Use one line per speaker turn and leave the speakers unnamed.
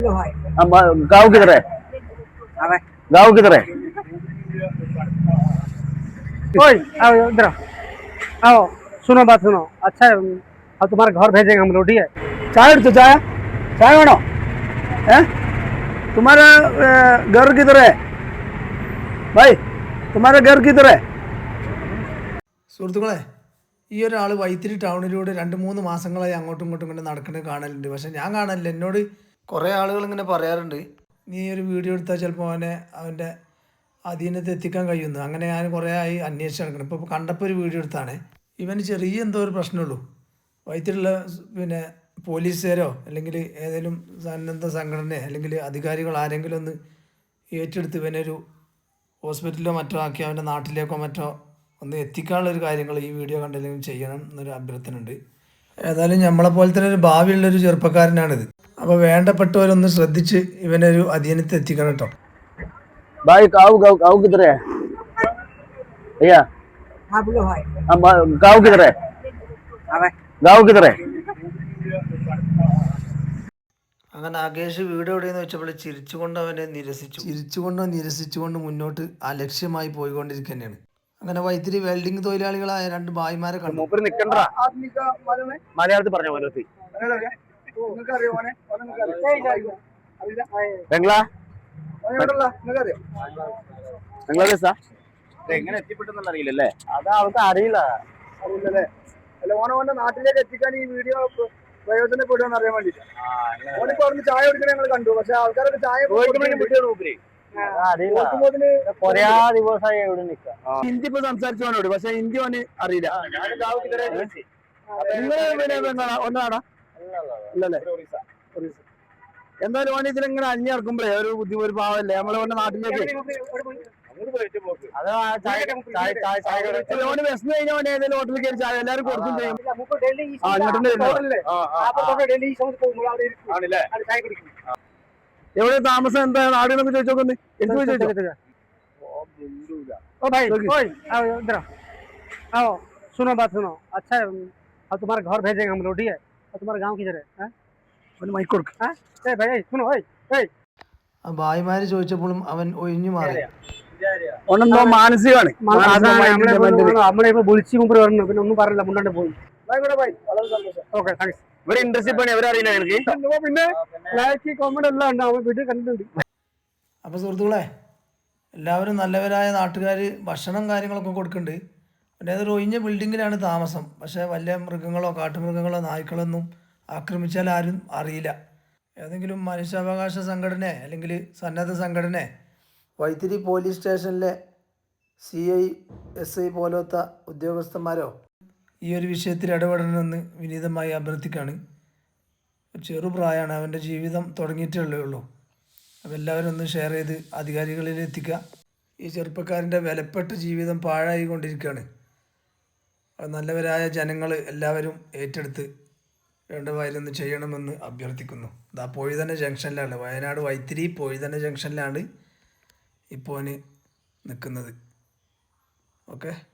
गाँव किधर है? गाँव किधर है?
ओए आओ इधर आओ। सुनो बात सुनो। अच्छा है, अब तुम्हारे घर भेजेंगे हम लोग, ठीक है?
चाय तो चाय चाय വേണോ? तुम्हारा घर किधर है भाई? तुम्हारा घर किधर है?
സുഹൃത്തുക്കളെ, ഈ ഒരാൾ വൈത്തിരി ടൗണിലൂടെ 2-3 മാസങ്ങളായി അങ്ങോട്ടും ഇങ്ങോട്ടും ഇങ്ങനെ നടക്കുന്നത് കാണലുണ്ട്. പക്ഷേ ഞാൻ കാണലില്ല. എന്നോട് കുറേ ആളുകൾ ഇങ്ങനെ പറയാറുണ്ട്, നീ ഒരു വീഡിയോ എടുത്താൽ ചിലപ്പോൾ അവൻ്റെ അധീനത്തിൽ എത്തിക്കാൻ കഴിയുന്നു. അങ്ങനെ ഞാൻ കുറേ ആയി അന്വേഷിച്ച് നടക്കണം. ഇപ്പോൾ കണ്ടപ്പോൾ ഒരു വീഡിയോ എടുത്താണ്. ഇവന് ചെറിയ എന്തോ ഒരു പ്രശ്നമുള്ളൂ. വൈത്തിരിയുള്ള പോലീസുകാരോ അല്ലെങ്കിൽ ഏതെങ്കിലും സന്നദ്ധ സംഘടനയോ അല്ലെങ്കിൽ അധികാരികൾ ആരെങ്കിലും ഒന്ന് ഏറ്റെടുത്ത് ഇവനൊരു ഹോസ്പിറ്റലിലോ മറ്റോ ആക്കി അവൻ്റെ നാട്ടിലേക്കോ മറ്റോ ഒന്ന് എത്തിക്കാനുള്ളൊരു കാര്യങ്ങൾ ഈ വീഡിയോ കണ്ടില്ലെങ്കിൽ ചെയ്യണം എന്നൊരു അഭ്യർത്ഥന ഉണ്ട്. ഏതായാലും നമ്മളെപ്പോലെ തന്നെ ഒരു ഭാവിയുള്ളൊരു ചെറുപ്പക്കാരനാണിത്. അപ്പോൾ വേണ്ടപ്പെട്ടവരൊന്ന് ശ്രദ്ധിച്ച് ഇവനൊരു അധീനത്തിൽ എത്തിക്കണം കേട്ടോ.
भाई गाँव गाँव गाँव किधर है भैया?
हाँ बोलो भाई।
गाँव किधर है? गाँव किधर है?
അങ്ങനെ ആകേഷ് വീട് എവിടെയെന്ന് വെച്ചപ്പോൾ ചിരിച്ചുകൊണ്ട് അവനെ നിരസിച്ചുകൊണ്ട് മുന്നോട്ട് അലക്ഷ്യമായി പോയിക്കൊണ്ടിരിക്കുകയാണ്. അങ്ങനെ വൈത്തിരി വെൽഡിംഗ് തൊഴിലാളികളായ 2 ഭായിമാരെ കണ്ടു.
മലയാളത്തിൽ പറഞ്ഞ ബംഗ്ലാദേശാ? എങ്ങനെ എത്തിപ്പെട്ടെന്നുള്ള അറിയില്ലല്ലേ? അത് അവർക്ക് അറിയില്ലല്ലേ? അല്ല ഓനെ നാട്ടിലേക്ക് എത്തിക്കാൻ ഈ വീഡിയോ പ്രയോജനപ്പെടുമെന്ന് അറിയാൻ വേണ്ടിട്ട് ഓനിപ്പോ അവിടുന്ന് ചായ കുടിക്കണ ഞങ്ങൾ കണ്ടു. പക്ഷെ ആൾക്കാരൊക്കെ ചായ ഹിന്ദി ഇപ്പൊ സംസാരിച്ചോനോട്, പക്ഷെ ഹിന്ദി ഓന് അറിയില്ല. ഒന്നാടാ ഇല്ലല്ലേ? എന്തായാലും ഓൻ ഇതിലിങ്ങനെ അഞ്ഞിറക്കുമ്പോഴേ ഒരു ബുദ്ധിമുട്ട്, ഒരു പാവല്ലേ നമ്മളെ ഓന്റെ നാട്ടിലേക്ക്. ഓന് വിശന്ന് കഴിഞ്ഞാൽ ഓൻ ഏതെങ്കിലും ഹോട്ടലിൽ കയറി ചായ എല്ലാവരും കൊടുക്കും ചെയ്യും. എവിടെ താമസം, എന്താ നാടുകളൊക്കെ ചോദിച്ചോക്കൊന്ന് എനിക്ക് ചോദിച്ചോ.
ओ भाई ओए आओ इधर आओ। सुनो बात सुनो। अच्छा है, अब तुम्हारे घर भेजेंगे हम लोग, ठीक है? और तुम्हारा गांव किधर है?
മൈക്ക് കൊടുക്ക.
ए भाई सुनो ओए ओए।
ആ ഭായിമാർ ചോദിച്ചപ്പോഴും അവൻ ഒഴിഞ്ഞു മാറി.
ഓനെന്തോ മാനസികമാണ്.
നമ്മളിപ്പോ വിളിച്ചു മുമ്പ് പറഞ്ഞു, പിന്നെ ഒന്നും പറഞ്ഞില്ല, മുണ്ടാണ്ട് പോയി. Okay thanks.
ഇവര് ഇൻട്രസ്റ്റ് പണി അവരറിയില്ല എനിക്ക്.
പിന്നെ ലൈക്ക് കോമന്റ് എല്ലാം ഉണ്ട്, അവൻ വീട്ടിൽ കണ്ടിട്ടുണ്ട്.
അപ്പോൾ സുഹൃത്തുക്കളെ, എല്ലാവരും നല്ലവരായ നാട്ടുകാർ ഭക്ഷണം കാര്യങ്ങളൊക്കെ കൊടുക്കുന്നുണ്ട്. പിന്നെ അതൊരു ഒഴിഞ്ഞ ബിൽഡിങ്ങിലാണ് താമസം. പക്ഷേ വലിയ മൃഗങ്ങളോ കാട്ടുമൃഗങ്ങളോ നായ്ക്കളൊന്നും ആക്രമിച്ചാൽ ആരും അറിയില്ല. ഏതെങ്കിലും മനുഷ്യാവകാശ സംഘടന അല്ലെങ്കിൽ സന്നദ്ധ സംഘടന, വൈത്തിരി പോലീസ് സ്റ്റേഷനിലെ CI SI പോലത്തെ ഉദ്യോഗസ്ഥന്മാരോ ഈ ഒരു വിഷയത്തിൽ ഇടപെടണമെന്ന് വിനീതമായി അഭ്യർത്ഥിക്കുകയാണ്. ചെറുപ്രായമാണ്, അവൻ്റെ ജീവിതം തുടങ്ങിയിട്ടേ ഉള്ളൂ. അപ്പോൾ എല്ലാവരും ഒന്ന് ഷെയർ ചെയ്ത് അധികാരികളിൽ എത്തിക്കുക. ഈ ചെറുപ്പക്കാരൻ്റെ വിലപ്പെട്ട ജീവിതം പാഴായി കൊണ്ടിരിക്കുകയാണ്. നല്ലവരായ ജനങ്ങൾ എല്ലാവരും ഏറ്റെടുത്ത് വേണ്ടവായിലൊന്ന് ചെയ്യണമെന്ന് അഭ്യർത്ഥിക്കുന്നു. ഇതാ പൊഴുതന ജംഗ്ഷനിലാണ്, വയനാട് വൈത്തിരി പൊഴുതന ജംഗ്ഷനിലാണ് ഇപ്പോൾ നിൽക്കുന്നത്. ഓക്കെ.